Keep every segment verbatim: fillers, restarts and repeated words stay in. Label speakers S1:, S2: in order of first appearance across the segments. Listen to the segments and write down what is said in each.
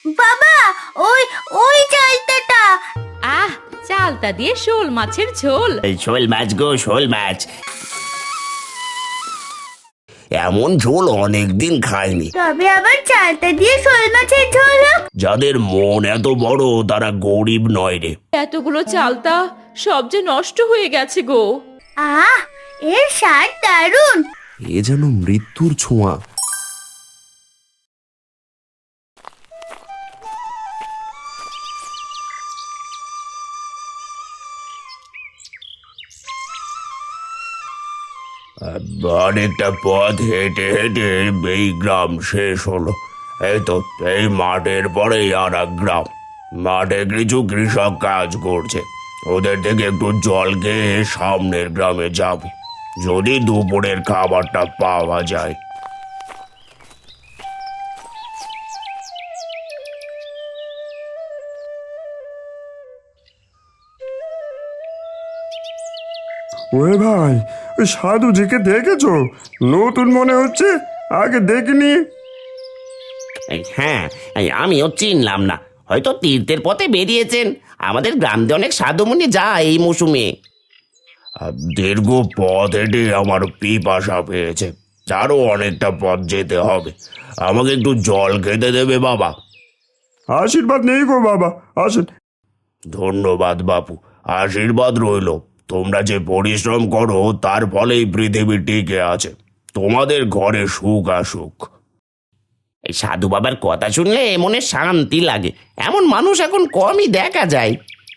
S1: বাবা, ওই ওই চালতাটা।
S2: আহ, চালতা দিয়ে শোল মাছের ঝোল।
S3: এই শোল মাছ গো, শোল মাছ। এমন ঝোল অনেকদিন খাইনি।
S1: তবে আবার চালতা দিয়ে শোল মাছের ঝোল হোক।
S3: যাদের মন এত বড় তারা গরিব নয় রে।
S2: এতগুলো চালতা সব যে নষ্ট হয়ে গেছে গো।
S1: আহ, এর স্বাদ দারুণ।
S4: এ যেন মৃত্যুর ছোঁয়া।
S3: অনেকটা পথ হেঁটে হেঁটে এই গ্রাম শেষ হলো। এই তো এই মাঠের পরেই আর এক গ্রাম। মাঠে কিছু কৃষক কাজ করছে। ওদের থেকে একটু জল খেয়ে সামনের গ্রামে যাব, যদি দুপুরের খাবারটা পাওয়া যায়।
S5: ওরে ভাই, ওই সাধুজিকে দেখেছো? নতুন মনে হচ্ছে, আগে দেখিনি।
S3: এই হ্যাঁ, এই আমিও চিনলাম না। হয়তো তীর্থের পথে বেরিয়েছেন। আমাদের গ্রাম দিয়ে অনেক সাধুমুনি যায় এই মৌসুমে। দীর্ঘ পথ হেঁটে আমার পিপাসা পেয়েছে। আরও অনেকটা পথ যেতে হবে। আমাকে একটু জল খেতে দেবে বাবা?
S5: আশীর্বাদ নেই গো বাবা, আসেন।
S3: ধন্যবাদ বাপু, আশীর্বাদ রইল। তোমরা যে পরিশ্রম করো তার ফলেই পৃথিবী টিকে আছে। তোমাদের ঘরে সুখ আসুক। এই সাধু বাবার কথা শুনলে মনে শান্তি লাগে। এমন মানুষ এখন কমই দেখা যায়।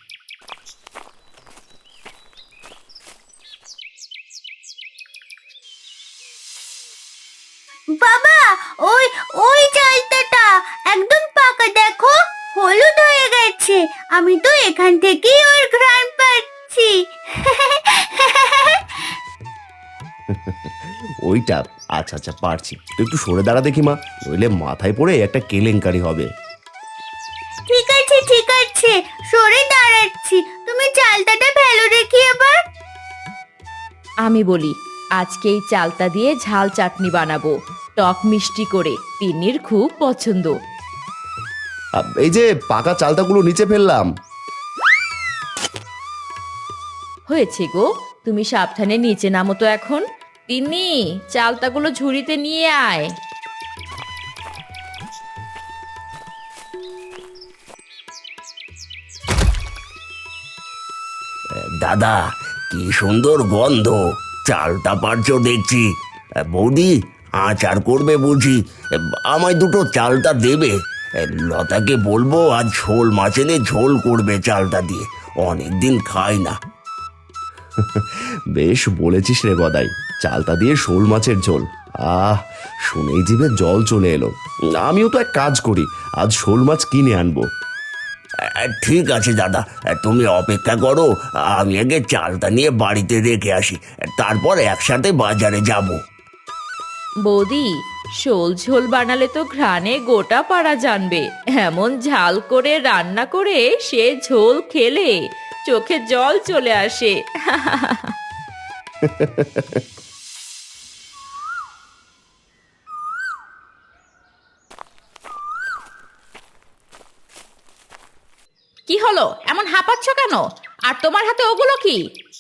S1: বাবা, ওই ওই চালতাটা একদম পাকা, দেখো হলুদ হয়ে গেছে। আমি তো এখান থেকেই ওর ঘ্রাণ পাচ্ছি।
S4: ওইটা? আচ্ছা আচ্ছা, পারছি। তুই একটু সরে দাঁড়া দেখি মা, নইলে মাথায় পড়ে একটা কেলেঙ্কারি হবে।
S1: ঠিক আছে ঠিক আছে, সরে দাঁড়াচ্ছি। তুমি চালতাটা ফেলো দেখি এবার।
S2: আমি বলি, আজকে এই চালতা দিয়ে ঝাল চাটনি বানাবো, টক মিষ্টি করে। তিন্নির খুব পছন্দ।
S4: আ, এই যে পাকা চালতাগুলো নিচে ফেললাম।
S2: হয়েছে গো, তুমি সাবধানে নিচে নামো তো এখন। তিন্নি, চালতাগুলো ঝুড়িতে নিয়ে আয়।
S3: দাদা, কি সুন্দর গন্ধ। চালটা পারছো দেখছি। বৌদি, আচার করবে বুঝি? আমায় দুটো চালটা দেবে। লতাকে বলবো আজ ঝোল মাছ এনে ঝোল করবে চালটা দিয়ে। অনেকদিন খাই না।
S4: বেশ বলেছিস রে গদাই, চালতা দিয়ে শোল মাছের ঝোল। আহ, শুনেই জিভে জল চলে এলো। আমিও তো এক কাজ করি, আজ শোল মাছ কিনে আনবো।
S3: ঠিক আছে দাদা, তুমি অপেক্ষা করো। আমি আগে চালটা নিয়ে বাড়িতে রেখে আসি, তারপর একসাথে বাজারে যাব।
S2: বৌদি, শোল ঝোল বানালে তো ঘ্রাণে গোটা পাড়া জানবে। এমন ঝাল করে রান্না করে সে ঝোল খেলে চোখে জল চলে আসে। কি হলো, এমন হাঁপাচ্ছ কেন? আর তোমার হাতে ওগুলো কি?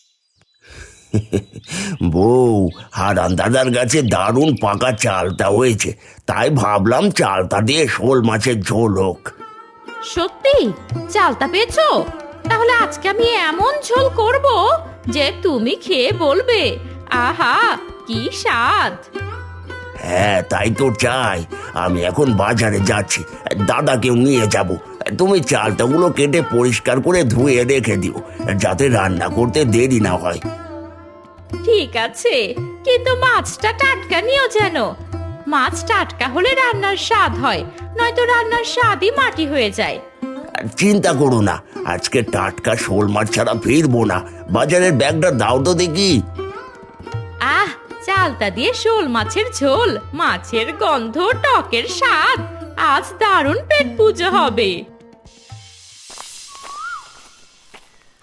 S3: বউ, হারান দাদার কাছে দারুণ পাকা চালটা হয়েছে, তাই ভাবলাম চালটা দিয়ে শোল মাছের ঝোল হোক।
S2: সত্যি চালতা পেয়েছো? তাহলে আজকে আমি এমন ঝোল করব যে তুমি খেয়ে বলবে, আহা কি স্বাদ।
S3: হ্যাঁ, তাই তো চাই। আমি এখন বাজারে যাচ্ছি, দাদাকেও নিয়ে যাব। তুমি চালটাগুলো কেটে পরিষ্কার করে ধুয়ে রেখে দিও, যাতে রান্না করতে দেরি না হয়।
S2: ঠিক আছে, কিন্তু মাছটা টাটকা নিও যেন। মাছ টাটকা হলে রান্নার স্বাদ হয়, নয়তো রান্নার স্বাদই মাটি হয়ে যায়।
S3: চিন্তা করো না, আজকে টাটকা শোল মাছ ছাড়া ফিরবো না। বাজারের ব্যাগটা দাও তো দেখি।
S2: আহ, চালতা দিয়ে শোল মাছের ঝোল, মাছের গন্ধ, টকের স্বাদ, আজ দারুণ পেট পুজো হবে।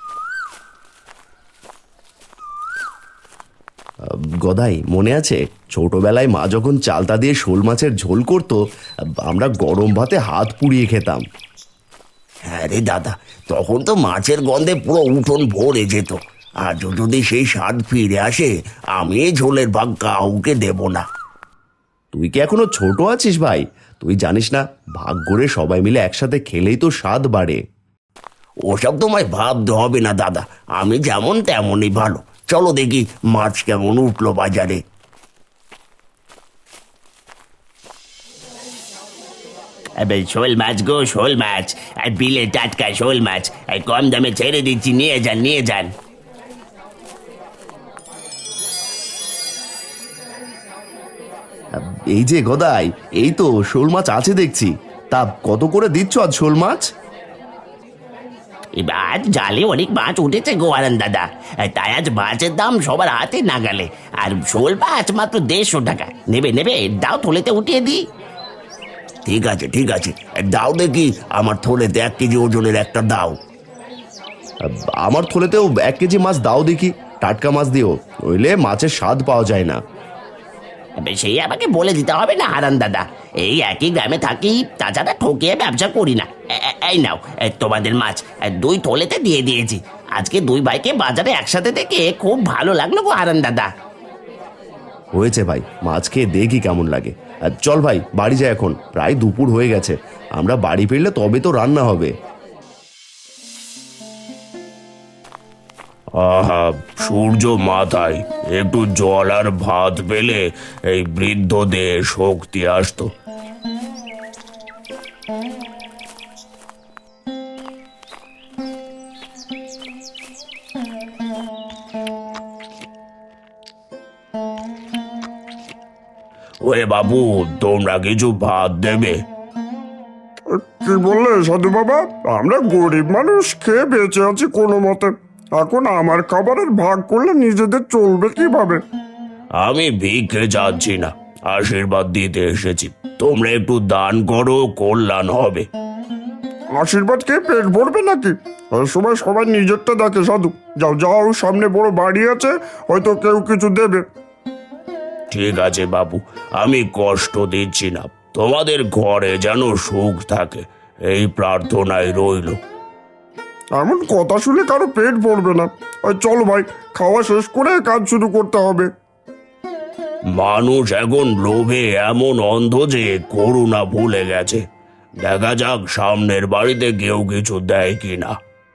S4: গদাই, মনে আছে ছোটবেলায় মা যখন চালতা দিয়ে শোল মাছের ঝোল করতো, আমরা গরম ভাতে হাত পুড়িয়ে খেতাম।
S3: হ্যাঁ রে দাদা, তখন তো মাছের গন্ধে পুরো উঠোন ভরে যেত। আজও যদি সেই স্বাদ ফিরে আসে, আমি এই ঝোলের ভাগ কাউকে দেব না।
S4: তুই কি এখনো ছোট আছিস ভাই? তুই জানিস না, ভাগ করে সবাই মিলে একসাথে খেলেই তো স্বাদ বাড়ে।
S3: ওসব তোমায় ভাবতে হবে না দাদা, আমি যেমন তেমনই ভালো। চলো দেখি মাছ কেমন উঠলো বাজারে। শোল মাছ গো, শোল মাছ, আর বিলে টাটকা শোল মাছ, আর কম দামে ছেড়ে দিচ্ছি, নিয়ে যান নিয়ে যান।
S4: এই যে গদাই, এই তো শোল মাছ আছে দেখছি। তা কত করে দিচ্ছ আজ শোল মাছ?
S3: এবার জালে অনেক মাছ উঠেছে গোয়ারান দাদা, তাই আজ মাছের দাম সবার হাতে নাগালে। আর শোল মাছ মাত্র দেড়শো টাকা। নেবে নেবে, দাও থলেতে উঠিয়ে দিই। ঠিক আছে ঠিক আছে, দাও দেখি আমার থলেতে এক কেজি ওজনের একটা দাও।
S4: আমার থলেতেও এক কেজি মাছ দাও দেখি, টাটকা মাছ দিও, নইলে মাছের স্বাদ পাওয়া যায় না।
S3: সেই আমাকে বলে দিতে হবে না হারান দাদা, এই একই গ্রামে থাকি, তাছাড়া ঠকিয়ে ব্যবসা করি না। এ- এ- এই নাও এ, তোমাদের মাছ এ, দুই থলেতে দিয়ে দিয়েছি। আজকে দুই ভাইকে বাজারে একসাথে দেখে খুব ভালো লাগলো গো হারান দাদা।
S4: হয়েছে ভাই, মাছ খেয়ে দেখি কেমন লাগে। আর চল ভাই, বাড়ি যাই, এখন প্রায় দুপুর হয়ে গেছে। আমরা বাড়ি ফিরলে তবে তো রান্না হবে।
S3: আহা, সূর্য মাথায়, একটু জল আর ভাত পেলে এই বৃদ্ধদের শক্তি আসতো। ওরে বাবু, তোমরা কিছু ভাত দেবে?
S5: কি বললে সাধু বাবা? আমরা গরিব মানুষ, খেয়ে বেঁচে আছি কোনো মতে। এখন আমার খাবারের ভাগ করলে নিজেদের চলবে কিভাবে?
S3: আমি ভিক্ষে যাচ্ছি না, আশীর্বাদ দিতে এসেছি। তোমরা একটু দান করো, কল্যাণ হবে।
S5: আশীর্বাদ খেয়ে পেট ভরবে নাকি? ওই সময় সবাই নিজেরটা দেখে সাধু। যাও যাও, সামনে বড় বাড়ি আছে, হয়তো কেউ কিছু দেবে।
S3: ঠিক আছে বাবু, আমি কষ্ট দিচ্ছি না, তোমাদের ঘরে যেন সুখ থাকে এই প্রার্থনায় রইল।
S5: এমন কথা শুনে কারো পেট ভরবে না। ওই চলো ভাই, খাওয়া শেষ করে কাজ শুরু করতে হবে।
S3: মানুষ এখন লোভে এমন অন্ধ যে করুণা ভুলে গেছে। দেখা যাক সামনের বাড়িতে কেউ কিছু দেয় কিনা।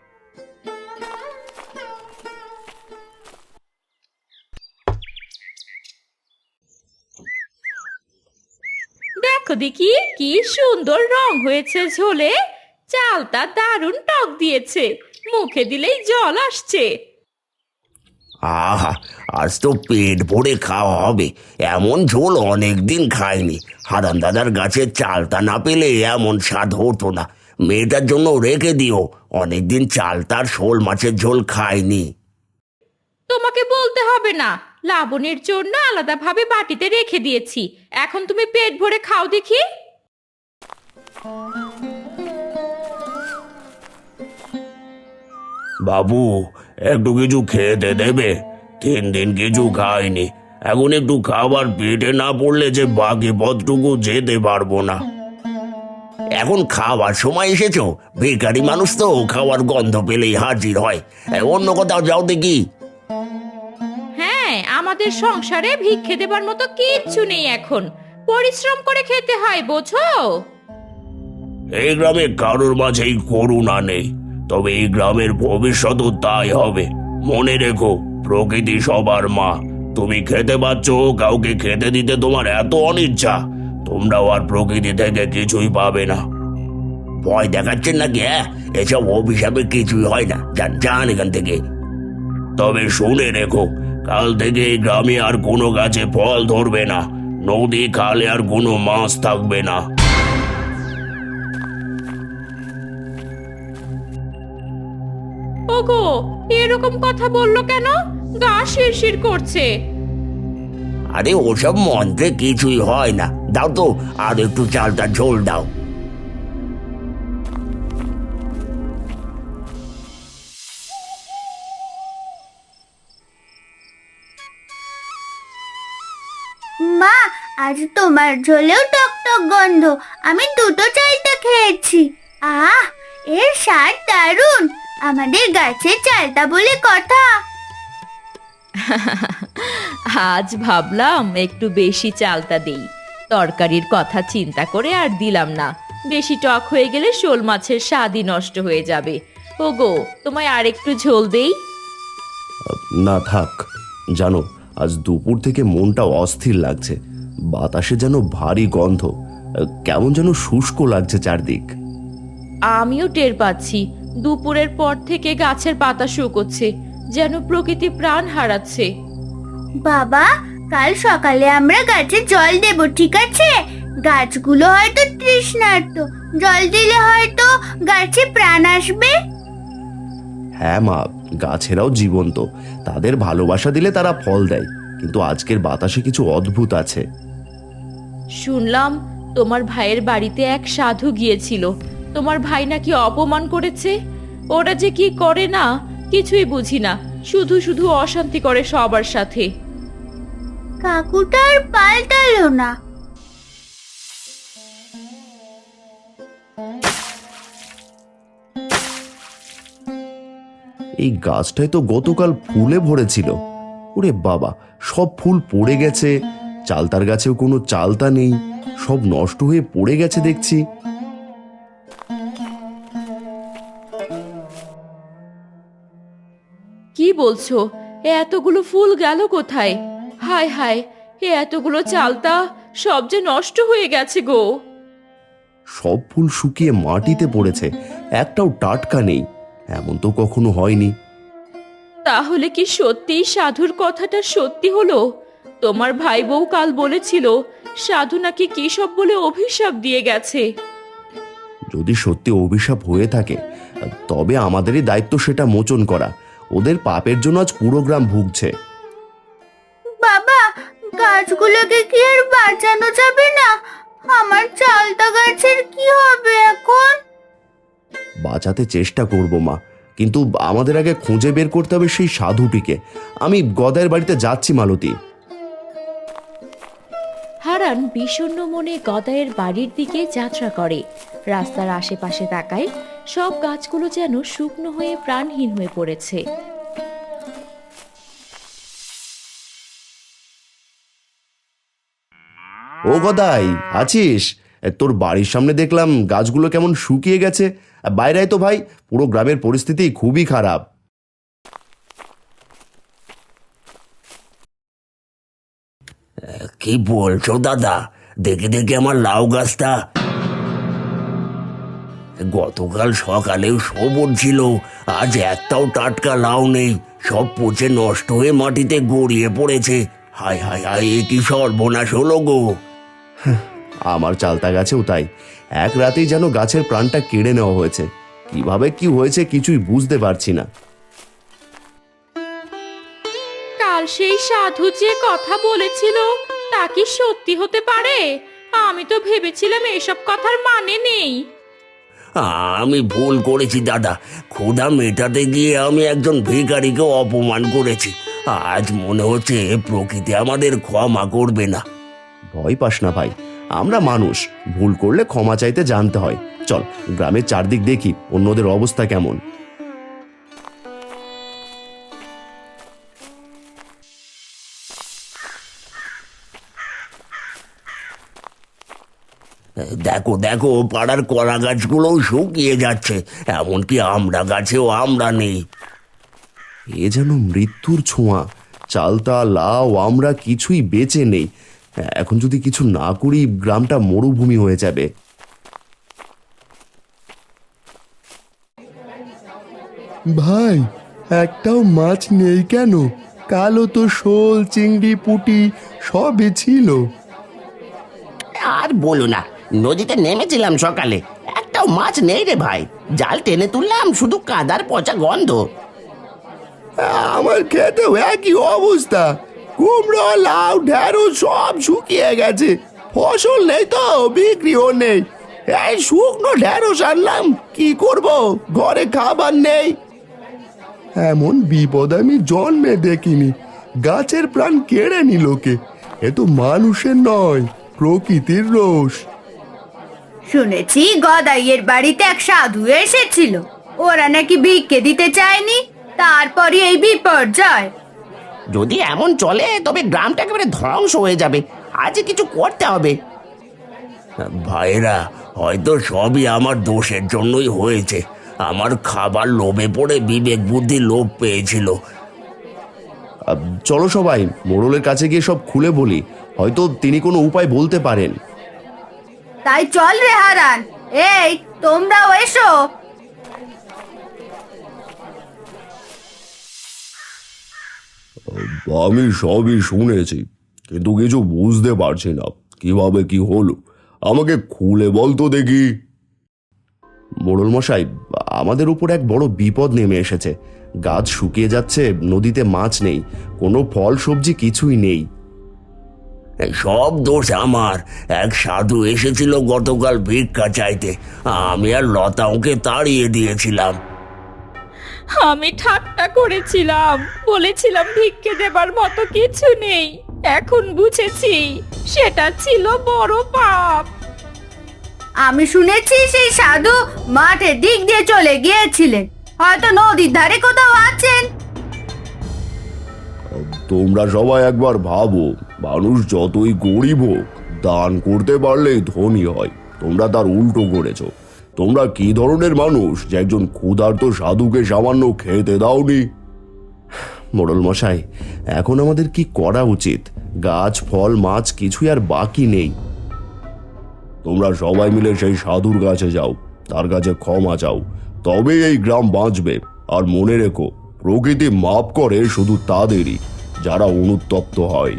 S2: দেখো দেখি কি সুন্দর রং হয়েছে ঝোলে। চালটা দারুণ টক দিয়েছে, মুখে দিলেই জল আসছে।
S3: আহা, আজ তো পেট ভরে খাওয়া হবে। এমন ঝোল অনেকদিন খাইনি। হারান দাদার গাছের চালটা না পেলে এমন স্বাদ হতো না। মেয়েটার জন্য রেখে দিও, অনেকদিন চালতার শোল মাছের ঝোল খাইনি।
S2: তোমাকে বলতে হবে না, লাবণীর জন্য আলাদাভাবে বাটিতে রেখে দিয়েছি। এখন তুমি পেট ভরে খাও দেখি।
S3: বাবু, একটু কিছু খেতে দেবে? তিন দিন কিছু খাইনি, এখন একটু খাবার পেটে না পড়লে যে বাকি পথটুকু যেতে পারবো না। এখন খাওয়ার সময় এসেছো? বেকারি মানুষ তো খাওয়ার গন্ধ পেলেই হাজির হয়। এ, অন্য কোথাও যাও দেখি।
S2: হ্যাঁ, আমাদের সংসারে ভিক্ষে দেবার মতো কিচ্ছু নেই এখন, পরিশ্রম করে খেতে হয়, বোঝো?
S3: এই গ্রামে কারোর মাঝেই করুণা নেই, তবে এই গ্রামের ভবিষ্যৎও তাই হবে। মনে রেখো, প্রকৃতি সবার মা। তুমি খেতে পাচ্ছ, কাউকে খেতে দিতে তোমার এত অনিচ্ছা, তোমরাও আর প্রকৃতি থেকে কিছুই পাবে না। ভয় দেখাচ্ছেন নাকি? হ্যাঁ, এসব অভিশাপে কিছুই হয় না। যান যান এখান থেকে। তবে শুনে রেখো, কাল থেকে এই গ্রামে আর কোনো গাছে ফল ধরবে না, নদী খালে আর কোনো মাছ থাকবে না।
S2: ওগো, এরকম কথা বললো কেন? গা শিরশির করছে।
S3: আরে ওসব মন্ত্রে কিছুই হয় না। দাও তো আর একটু চালটা ঝোল দাও।
S1: আজ তোমার ঝোলেও টক টক গন্ধ। আমি দুটো চালতা খেয়েছি। আহ, এর স্বাদ দারুণ। আমাদের গাছের চালতা বলে কথা।
S2: আজ ভাবলাম একটু বেশি চালতা দেই। তরকারির কথা চিন্তা করে আর দিলাম না। বেশি টক হয়ে গেলে শোল মাছের স্বাদই নষ্ট হয়ে যাবে। ওগো, তোমায় আর একটু ঝোল দেই?
S4: না থাক, জানো আজ দুপুর থেকে মনটা অস্থির লাগছে। বাতাসে যেন ভারী গন্ধ, কেমন যেন শুষ্ক লাগছে চারদিক।
S2: আমিও টের পাচ্ছি, দুপুরের পর থেকে গাছের পাতা শুকোচ্ছে, যেন প্রকৃতি প্রাণ হারাচ্ছে।
S1: বাবা, কাল সকালে আমরা গাছে জল দেব, ঠিক আছে? গাছগুলো হয়তো তৃষ্ণার্ত, জল দিলে হয়তো গাছে প্রাণ আসবে।
S4: হ্যাঁ মা, গাছেরাও জীবন্ত, তাদের ভালোবাসা দিলে তারা ফল দেয়। কিন্তু আজকের বাতাসে কিছু অদ্ভুত আছে।
S2: শুনলাম তোমার ভাইয়ের বাড়িতে এক সাধু গিয়েছিল। তোমার ভাই নাকি অপমান করেছে। ওরা যে কি করে না কিছুই বুঝি না, শুধু শুধু অশান্তি করে সবার সাথে।
S1: কাকুটা আর পাল্টালো না।
S4: এই গাছটায় তো গতকাল ফুলে ভরেছিল। ওরে বাবা, সব ফুল পড়ে গেছে। চালতার গাছেও কোনো চালতা নেই, সব নষ্ট হয়ে পড়ে গেছে দেখছি।
S2: কি বলছো? এ এতগুলো ফুল গেল কোথায়? হায় হায়, এ এতগুলো চালতা সব যে নষ্ট হয়ে গেছে গো।
S4: সব ফুল শুকিয়ে মাটিতে পড়েছে, একটাও টাটকা নেই। এমন তো কখনো হয়নি।
S2: তাহলে কি সত্যিই সাধুর কথাটা সত্যি হলো? তোমার ভাই বউ কাল বলেছিল সাধু নাকি কি সব বলে অভিশাপ দিয়ে গেছে।
S4: যদি সত্যি অভিশাপ হয়ে থাকে, তবে আমাদেরই দায়িত্ব সেটা মোচন করা। ওদের পাপের জন্য আজ পুরো গ্রাম ভুগছে।
S1: বাবা, গাছগুলোকে কি আর বাঁচানো যাবে না? আমার চালতা গাছের কি হবে এখন?
S4: বাঁচাতে চেষ্টা করব মা, কিন্তু আমাদের আগে খুঁজে বের করতে হবে সেই সাধুটিকে। আমি গদাইয়ের বাড়িতে যাচ্ছি মালতী।
S2: হারান বিষণ্ণ মনে গদাইয়ের বাড়ির দিকে যাত্রা করে। রাস্তার আশেপাশে তাকায়, সব গাছগুলো যেন শুকনো হয়ে প্রাণহীন হয়ে পড়েছে।
S4: ও গদাই, আছিস? তোর বাড়ির সামনে দেখলাম গাছগুলো কেমন শুকিয়ে গেছে। বাইরে আয় তো ভাই, পুরো গ্রামের পরিস্থিতি খুবই খারাপ।
S3: কি বলছো দাদা? দেখে দেখে আমার লাউ গাছটা গতকাল সকালেও সবুজ ছিল, আজ একটাও টাটকা লাউ নেই। সব পচে নষ্ট হয়ে মাটিতে গড়িয়ে পড়েছে। হায় হায় হায়, এ কি সর্বনাশ হলো গো!
S4: আমার চালতা গাছেও তাই, এক রাতেই যেন গাছের প্রাণটা কেড়ে নেওয়া হয়েছে। কিভাবে কি হয়েছে কিছুই বুঝতে পারছি না।
S2: কাল সেই সাধু যে কথা বলেছিল তা কি সত্যি হতে পারে? আমি তো ভেবেছিলাম এসব কথার মানে নেই।
S3: আমি ভুল করেছি দাদা। ক্ষুধা মেটাতে গিয়ে আমি একজন ভিখারিকে অপমান করেছি। আজ মনে হচ্ছে প্রকৃতি আমাদের ক্ষমা করবে না।
S4: ভয় পাস না ভাই, আমরা মানুষ, ভুল করলে ক্ষমা চাইতে জানতে হয়। চল গ্রামের চারদিক দেখি অন্যদের অবস্থা কেমন।
S3: দেখো দেখো, পাড়ার কলা গাছগুলোও শুকিয়ে যাচ্ছে, এমনকি আমড়া গাছেও আমড়া নেই।
S4: এ যেন মৃত্যুর ছোঁয়া। চালতা, লাউ, আমরা কিছুই বেঁচে নেই। এখন যদি কিছু না করি গ্রামটা মরুভূমি হয়ে যাবে।
S6: ভাই, একটাও মাছ নেই কেন? কালো তো শোল, চিংড়ি, পুঁটি সবই ছিল।
S7: আর বলো না, নদীতে নেমেছিলাম সকালে, একটাও মাছ নেই রে ভাই। জাল টেনে তুললাম, শুধু কাদার পচা গন্ধ।
S6: আমার খেতেও একই অবস্থা। কুমড়ো, লাউ, ঢেঁড়স সব শুকিয়ে গেছে। ফসল নেই তো, বিক্রিও নেই। এই শুকনো ঢেঁড়স আনলাম, কি করব? ঘরে খাবার নেই। এমন বিপদ আমি জন্মে দেখিনি। গাছের প্রাণ কেড়ে নিল কে? এ তো মানুষের নয়, প্রকৃতির রোষ।
S1: শুনেছি গদাইয়ের বাড়িতে এক সাধু এসেছিল, ওরা নাকি ভিক্ষে দিতে চায়নি, তারপরে এই বিপর্যয়।
S7: যদি এমন চলে তবে গ্রামটা একেবারে ধ্বংস হয়ে যাবে। আজ কিছু করতে হবে।
S3: ভাইরা, হয়তো সবই আমার দোষের জন্যই হয়েছে। আমার খাবার লোভে পড়ে বিবেক বুদ্ধি লোভ পেয়েছিল।
S4: আহ, চলো সবাই মোড়লের কাছে গিয়ে সব খুলে বলি, হয়তো তিনি কোনো উপায় বলতে পারেন।
S1: তাই চল রে হারান, এই তোমরাও এসো।
S3: আমি সবই শুনেছি, কিন্তু কিছু বুঝতে পারছি না কিভাবে কি হলো। আমাকে খুলে বল তো দেখি।
S4: মোড়ল মশাই, আমাদের উপর এক বড় বিপদ নেমে এসেছে। গাছ শুকিয়ে যাচ্ছে, নদীতে মাছ নেই, কোনো ফল সবজি কিছুই নেই।
S3: সব দোষ আমার। এক সাধু এসেছিল গতকাল ভিক্ষা চাইতে, আমি আর লতা ওকে তাড়িয়ে দিয়েছিলাম।
S2: আমি ঠাট্টা করেছিলাম, বলেছিলাম ভিক্ষে দেবার মতো কিছু নেই। এখন বুঝেছি সেটা ছিল বড় পাপ।
S1: আমি শুনেছি সেই সাধু মাঠের দিক দিয়ে চলে গিয়েছিলেন, হয়তো নদীর ধারে কোথাও আছেন।
S3: তোমরা সবাই একবার ভাবো, মানুষ যতই গরিব হোক, দান করতে পারলেই ধনী হয়। তোমরা তার উল্টো করেছো। তোমরা কি ধরনের মানুষ যে একজন ক্ষুধার্ত সাধুকে সামান্য খেতে দাওনি?
S4: মোড়ল মশাই, এখন আমাদের কি করা উচিত? গাছ ফল মাছ কিছুই আর বাকি নেই।
S3: তোমরা সবাই মিলে সেই সাধুর কাছে যাও, তার কাছে ক্ষমা চাও, তবে এই গ্রাম বাঁচবে। আর মনে রেখো, প্রকৃতি মাপ করে শুধু তাদেরই যারা অনুতপ্ত হয়।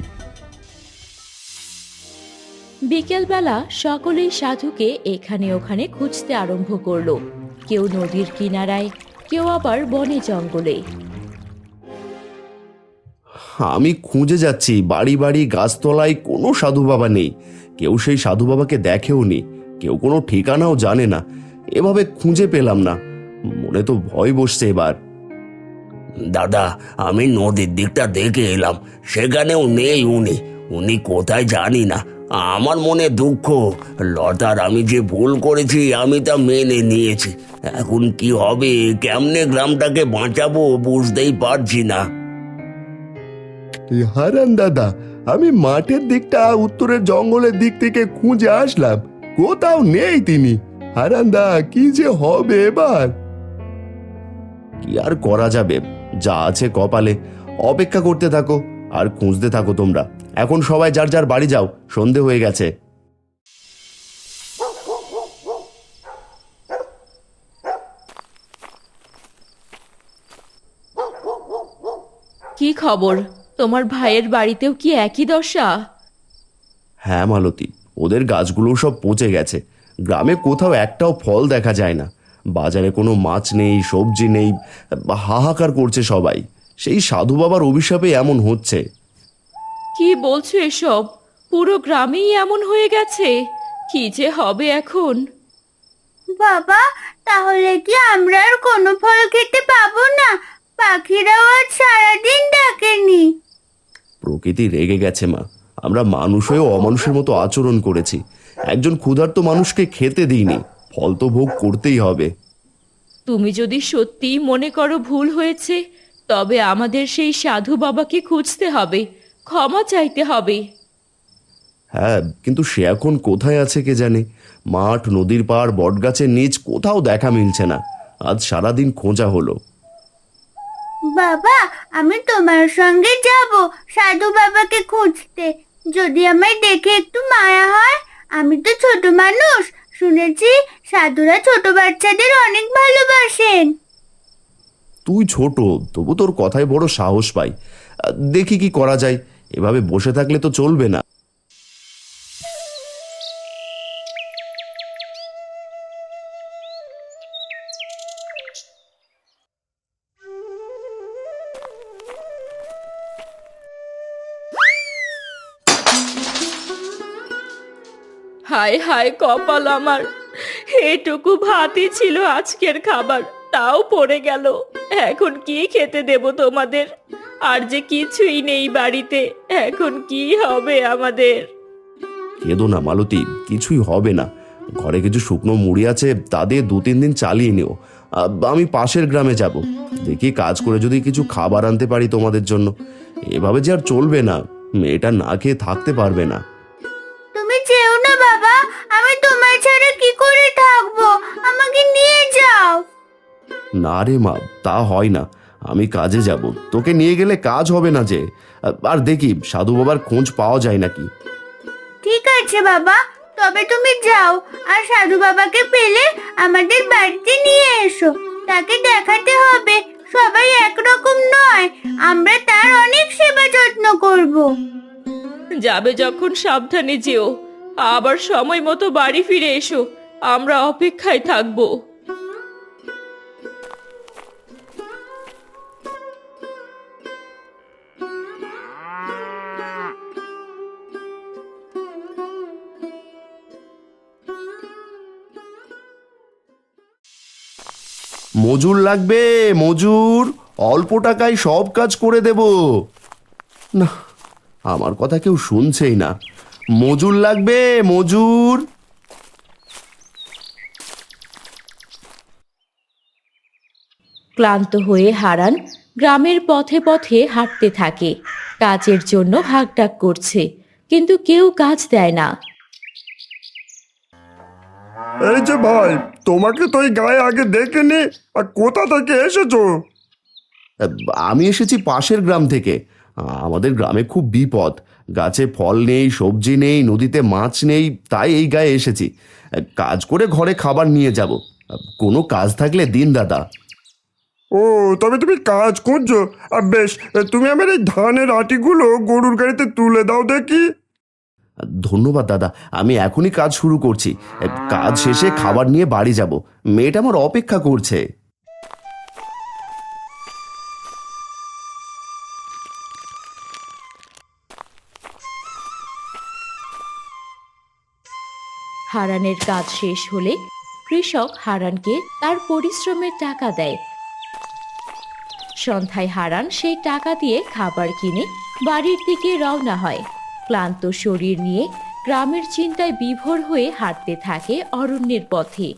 S2: বিকেলবেলা সকলেই সাধুকে এখানে ওখানে খুঁজতে আরম্ভ করলো। কেউ নদীর কিনারায়, কেউ আবার বনে জঙ্গলে।
S4: আমি খুঁজে যাচ্ছি বাড়ি বাড়ি গাছতলায়, কোনো সাধু বাবা নেই। কেউ সেই সাধু বাবাকে দেখেও নি, কেউ কোনো ঠিকানাও জানে না। এভাবে খুঁজে পেলাম না, মনে তো ভয় বসছে এবার।
S3: দাদা, আমি নদীর দিকটা দেখে এলাম, সেখানেও নেই উনি। উনি কোথায় জানি না। আমার মনে দুঃখ। লতার আমি যে ভুল করেছি আমি তা মেনে নিয়েছি। এখন কি হবে, কেমনে গ্রামটাকে বাঁচাবো বুঝতেই পারছি না।
S6: হারান দাদা, আমি মাঠের দিকটা উত্তরের জঙ্গলের দিক থেকে খুঁজে আসলাম, কোথাও নেই তিনি। হারান দা, কি যে হবে এবার?
S4: কি আর করা যাবে, যা আছে কপালে। অপেক্ষা করতে থাকো আর খুঁজতে থাকো তোমরা। এখন সবাই যার যার বাড়ি যাও, সন্ধে হয়ে গেছে।
S2: কি খবর? তোমার ভাইয়ের বাড়িতেও কি একই দশা?
S4: হ্যাঁ মালতী, ওদের গাছগুলো সব পচে গেছে। গ্রামে কোথাও একটাও ফল দেখা যায় না। বাজারে কোনো মাছ নেই, সবজি নেই, হাহাকার করছে সবাই। সেই সাধু বাবার অভিশাপে এমন হচ্ছে।
S2: কি বলছো এসব? পুরো গ্রামেই এমন হয়ে গেছে? কি যে হবে এখন?
S1: বাবা, তাহলে কি আমরা আর কোনো ফল খেতে পাবো না? পাখিরাও আজ সারাদিন ডাকেনি।
S4: প্রকৃতি রেগে গেছে মা। আমরা মানুষ হয়েও অমানুষের মতো আচরণ করেছি। একজন ক্ষুধার্ত মানুষকে খেতে দিইনি, ফল তো ভোগ করতেই হবে।
S2: তুমি যদি সত্যিই মনে করো ভুল হয়েছে, তবে আমাদের সেই সাধু বাবাকে খুঁজতে হবে, ক্ষমা চাইতে হবে।
S4: হ্যাঁ, কিন্তু সে এখন কোথায় আছে কে জানে। মাঠ, নদীর পাড়, বটগাছের নিচ কোথাও দেখা মিলছে না। আজ সারাদিন খোঁজা হলো।
S1: বাবা, আমি তোমার সঙ্গে যাব সাধু বাবাকে খুঁজতে। যদি আমায় দেখে একটু মায়া হয়। আমি তো ছোট মানুষ, শুনেছি সাধুরা ছোট বাচ্চাদের অনেক ভালোবাসেন।
S4: তুই ছোট, তবু তোর কথায় বড় সাহস পাই। আহ, দেখি কি করা যায়। এভাবে বসে থাকলে তো চলবে না।
S2: হায় হায় কপাল আমার, এটুকু ভাতই ছিল আজকের খাবার, তাও পড়ে গেল। এখন কি খেতে দেব তোমাদের? আর যে কিছুই নেই বাড়িতে। এখন কি হবে আমাদের?
S4: কেঁদো না মালতী, কিছুই হবে না। ঘরে কিছু শুকনো মুড়ি আছে, তা দিয়ে দু তিন দিন চালিয়ে নিও। আ, আমি পাশের গ্রামে যাব, দেখি কাজ করে যদি কিছু খাবার আনতে পারি তোমাদের জন্য। এভাবে যে আর চলবে না, মেয়েটা না খেয়ে থাকতে পারবে না।
S1: তুমি যেও না বাবা, আমি তোমার ছাড়া কি করে থাকবো? আমাকে নিয়ে যাও।
S4: না রে মা, তা হয় না। আমি কাজে যাব, তোকে নিয়ে গেলে কাজ হবে না যে। আর দেখি সাধু বাবার খোঁজ পাওয়া যায় নাকি।
S1: ঠিক আছে বাবা, তবে তুমি যাও, আর সাধু বাবাকে পেলে আমাদের বাড়িতে নিয়ে এসো। তাকে দেখাতে হবে সবাই একরকম নয়, আমরা তার অনেক সেবা যত্ন করব।
S2: যাবে যখন সাবধানে যেও, আবার সময় মতো বাড়ি ফিরে এসো। আমরা অপেক্ষায় থাকবো।
S4: মজুর লাগবে, মজুর। অল্প টাকায় সব কাজ করে দেব। না, আমার কথা কেউ শুনছেই না। মজুর লাগবে, মজুর।
S2: ক্লান্ত হয়ে হারান গ্রামের পথে পথে হাঁটতে থাকে। কাজের জন্য হাঁকডাক করছে, কিন্তু কেউ কাজ দেয় না।
S5: এই যে ভাই, তোমাকে তো এই গায়ে আগে দেখিনি, আর কোথা থেকে এসেছো?
S4: আমি এসেছি পাশের গ্রাম থেকে। আমাদের গ্রামে খুব বিপদ। গাছে ফল নেই, সবজি নেই, নদীতে মাছ নেই, তাই এই গায়ে এসেছি। কাজ করে ঘরে খাবার নিয়ে যাব। কোনো কাজ থাকলে দিন দাদা।
S5: ও, তবে তুমি কাজ করছো? আর বেশ, তুমি আমার এই ধানের আটিগুলো গরুর গাড়িতে তুলে দাও দেখি।
S4: ধন্যবাদ দাদা, আমি এখনই কাজ শুরু করছি। কাজ শেষে খাবার নিয়ে বাড়ি যাব। মেয়েটা আমার অপেক্ষা করছে।
S2: হারানের কাজ শেষ হলে কৃষক হারানকে তার পরিশ্রমের টাকা দেয়। সন্ধ্যায় হারান সেই টাকা দিয়ে খাবার কিনে বাড়ির দিকে রওনা হয়। ক্লান্ত শরীর নিয়ে গ্রামের চিন্তায় বিভোর হয়ে হাঁটতে থাকে অরণ্যের পথে।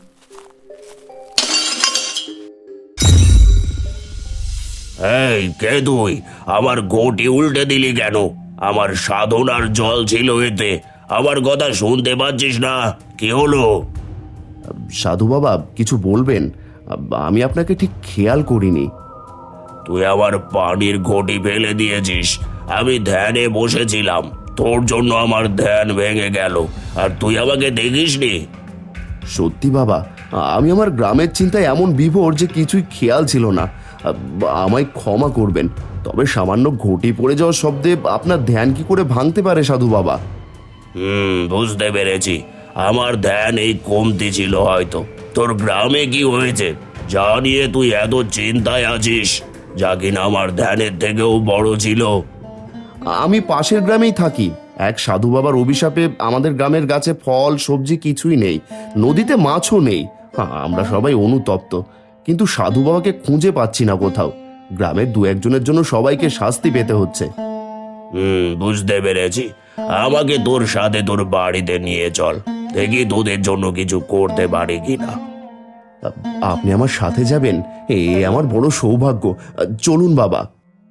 S3: এই কে তুই? আমার গোটি উল্টে দিলি কেন? আমার সাধনার জল ছিল এতে, আমার কথা শুনতে পাচ্ছিস না? কি হলো?
S4: সাধু বাবা, কিছু বলবেন? আমি আপনাকে ঠিক খেয়াল করিনি।
S3: তুই আমার পানির ঘটি ফেলে দিয়েছিস। আমি ধ্যানে বসেছিলাম, তোর জন্য আমার ধ্যান ভেঙে গেল, আর তুই আমাকে দেখিসনি।
S4: সত্যি বাবা, আমি আমার গ্রামের চিন্তায় এমন বিভোর যে কিছুই খেয়াল ছিল না। আমায় ক্ষমা করবেন। তবে সামান্য ঘটি পড়ে যাওয়ার শব্দে আপনার ধ্যান কি করে ভাঙতে পারে সাধু বাবা?
S3: হুম, বুঝতে পেরেছি। আমার ধ্যান এই কমতি ছিল হয়তো। তোর গ্রামে কি হয়েছে যা নিয়ে তুই এত চিন্তায় আছিস, যা কিনা আমার ধ্যানের থেকেও বড় ছিল?
S4: আমি পাশের গ্রামেই থাকি। এক সাধু বাবার অভিশাপে আমাদের গ্রামের গাছে ফল সবজি কিছুই নেই, নদীতে মাছও নেই। আমরা সবাই অনুতপ্ত, কিন্তু সাধু বাবাকে খুঁজে পাচ্ছি না কোথাও। গ্রামের দু একজনের জন্য সবাইকে শাস্তি পেতে হচ্ছে।
S3: হুম, বুঝতে পেরেছি। আমাকে তোর সাথে তোর বাড়িতে নিয়ে চল, দেখি তোদের জন্য কিছু করতে পারি কিনা।
S4: আপনি আমার সাথে যাবেন? এ আমার বড় সৌভাগ্য। চলুন বাবা।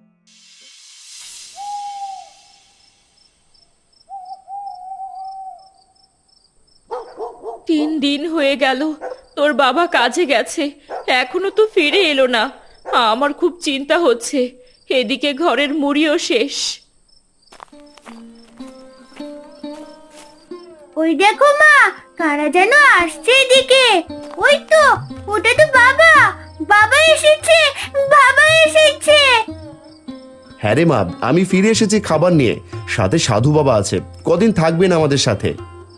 S2: তিন দিন হয়ে গেল তোর বাবা কাজে গেছে, এখনো তো ফিরে এলো না। আমার খুব চিন্তা হচ্ছে। এদিকে ঘরের মুড়িও শেষ।
S1: ওই দেখো মা, কারা যেন আসছে এদিকে। ওই তো, ওটা তো বাবা। বাবা এসেছে, বাবা এসেছে।
S4: হ্যাঁ রে মা, আমি ফিরে এসেছি খাবার নিয়ে। সাথে সাধু বাবা আছে। কদিন থাকবেন আমাদের সাথে?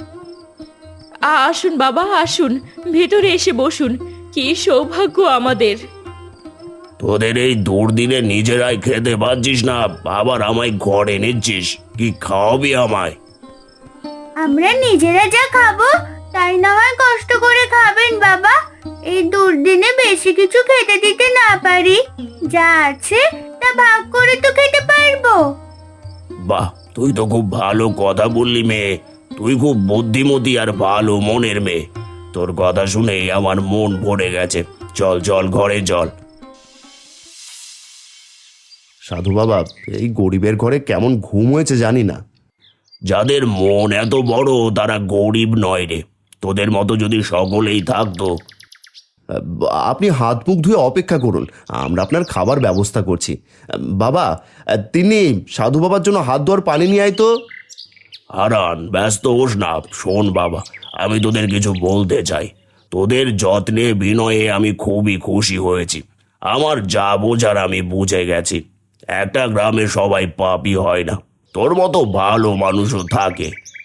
S2: আসুন বাবা, আসুন, ভেতরে এসে বসুন। কি সৌভাগ্য আমাদের।
S3: তোদের এই দুর্দিনে নিজেরাই খেতে পারছিস না, আবার আমায় ঘরে নিচ্ছিস। কি খাওয়াবি আমায়?
S1: আমরা নিজেরা যা খাবো তাই না হয় কষ্ট করে খাবেন বাবা। এই দুর্দিনে বেশি কিছু খেতে দিতে না পারি, যা আছে তা ভাগ করে তো খেতে পারবো।
S3: বাহ, তুই তো খুব ভালো কথা বললি মেয়ে। তুই খুব বুদ্ধিমতী আর ভালো মনের মেয়ে। তোর কথা শুনেই আমার মন ভরে গেছে। চল চল ঘরে চল।
S4: সাধু বাবা, এই গরিবের ঘরে কেমন ঘুম হয়েছে জানি না।
S3: যাদের মন এত বড় তারা গরিব নয় রে। তোদের মতো যদি সকলেই থাকতো।
S4: আপনি হাত মুখ ধুয়ে অপেক্ষা করুন, আমরা আপনার খাবার ব্যবস্থা করছি। বাবা, তিনি সাধু বাবার জন্য হাত ধোয়ার পানি নিয়ে আয় তো।
S3: হারান, ব্যস্ত হোস না। শোন বাবা, আমি তোদের কিছু বলতে চাই। তোদের যত্নে বিনয়ে আমি খুবই খুশি হয়েছি। আমার যা বোঝার আমি বুঝে গেছি। একটা গ্রামে সবাই পাপী হয় না, তোর মতো ভালো মানুষও থাকে।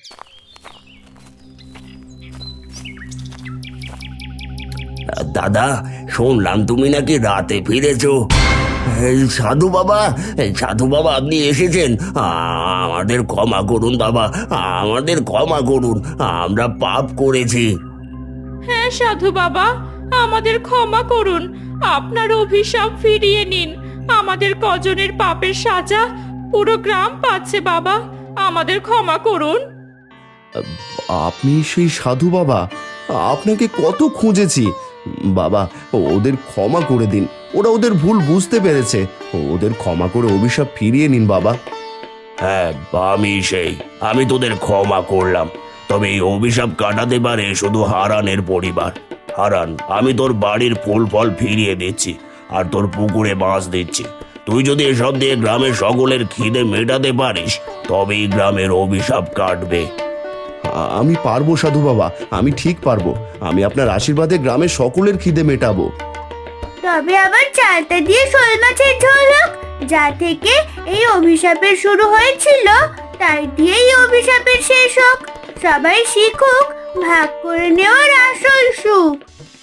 S3: দাদা, শুনলাম তুমি নাকি রাতে ফিরেছো। এই সাধু বাবা, এই সাধু বাবা আপনি এসেছেন। আ- আমাদের ক্ষমা করুন বাবা, আমাদের ক্ষমা করুন। আমরা পাপ করেছি।
S2: হ্যাঁ সাধু বাবা, আমাদের ক্ষমা করুন। আপনার অভিশাপ ফিরিয়ে নিন। আমাদের কজনের পাপের সাজা পুরো গ্রাম পাচ্ছে বাবা। আমাদের ক্ষমা করুন।
S4: আপনি সেই সাধু বাবা? আপনাকে কত খুঁজেছি। বাবা, ওদের ক্ষমা করে দিন। ওরা ওদের ভুল বুঝতে পেরেছে। ওদের ক্ষমা করে অভিশাপ ফিরিয়ে নিন বাবা।
S3: হ্যাঁ, আমি সেই। আমি তোদের ক্ষমা করলাম। তবে এই অভিশাপ কাটাতে পারে শুধু হারানের পরিবার। হারান, আমি তোর বাড়ির ফুল ফল ফিরিয়ে দিচ্ছি আর তোর পুকুরে মাছ দিচ্ছি। তুই যদি এসব দিয়ে গ্রামের সকলের খিদে মেটাতে পারিস তবেই গ্রামের অভিশাপ কাটবে।
S4: আ- আমি পারবো সাধু বাবা, আমি ঠিক পারবো। আমি আপনার আশীর্বাদে গ্রামের সকলের খিদে মেটাবো।
S1: তবে আবার চালতা দিয়ে শোল মাছের ঝোল হোক, যা থেকে এই অভিশাপের শুরু হয়েছিল তাই দিয়েই অভিশাপের শেষ হোক। সবাই শিখুক ভাগ করে নেওয়ার আসল সুখ।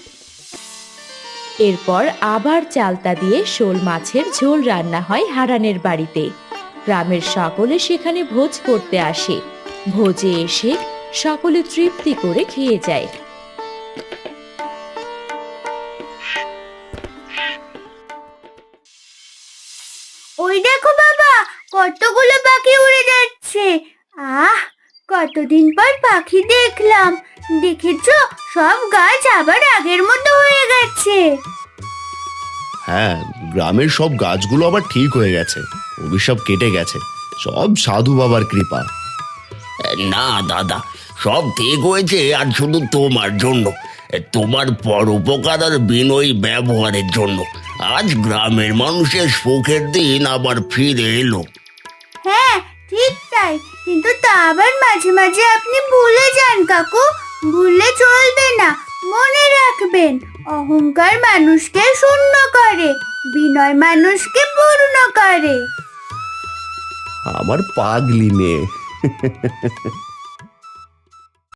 S2: এরপর আবার চালতা দিয়ে শোল মাছের ঝোল রান্না হয় হারানের বাড়িতে। গ্রামের সকলে সেখানে ভোজ করতে আসে। ভোজে এসে সকলে তৃপ্তি করে খেয়ে যায়।
S1: ওই দেখো বাবা, কতগুলো পাখি উড়ে যাচ্ছে। আহ, কতদিন পর পাখি দেখলাম। দেখেছো, সব গাছ আবার আগের মতো হয়ে গেছে।
S4: হ্যাঁ, গ্রামের সব গাছগুলো আবার ঠিক হয়ে গেছে। অভিশাপ কেটে গেছে। সব সাধু বাবার কৃপা।
S3: না দাদা, সব ঠিক হয়েছে আর শুধু তোমার জন্য। তোমার পরোপকার আর বিনয়ী ব্যবহারের জন্য আজ গ্রামের মানুষের সুখের দিন আবার ফিরে এলো।
S1: হ্যাঁ, ঠিক তাই। কিন্তু তা আবার মাঝে মাঝে আপনি ভুলে যান কাকু। ভুললে চলবে না, মনে রাখবেন। অহংকার মানুষকে শূন্য করে, বিনয় মানুষকে পূর্ণ করে।
S4: আমার পাগলি মেয়ে।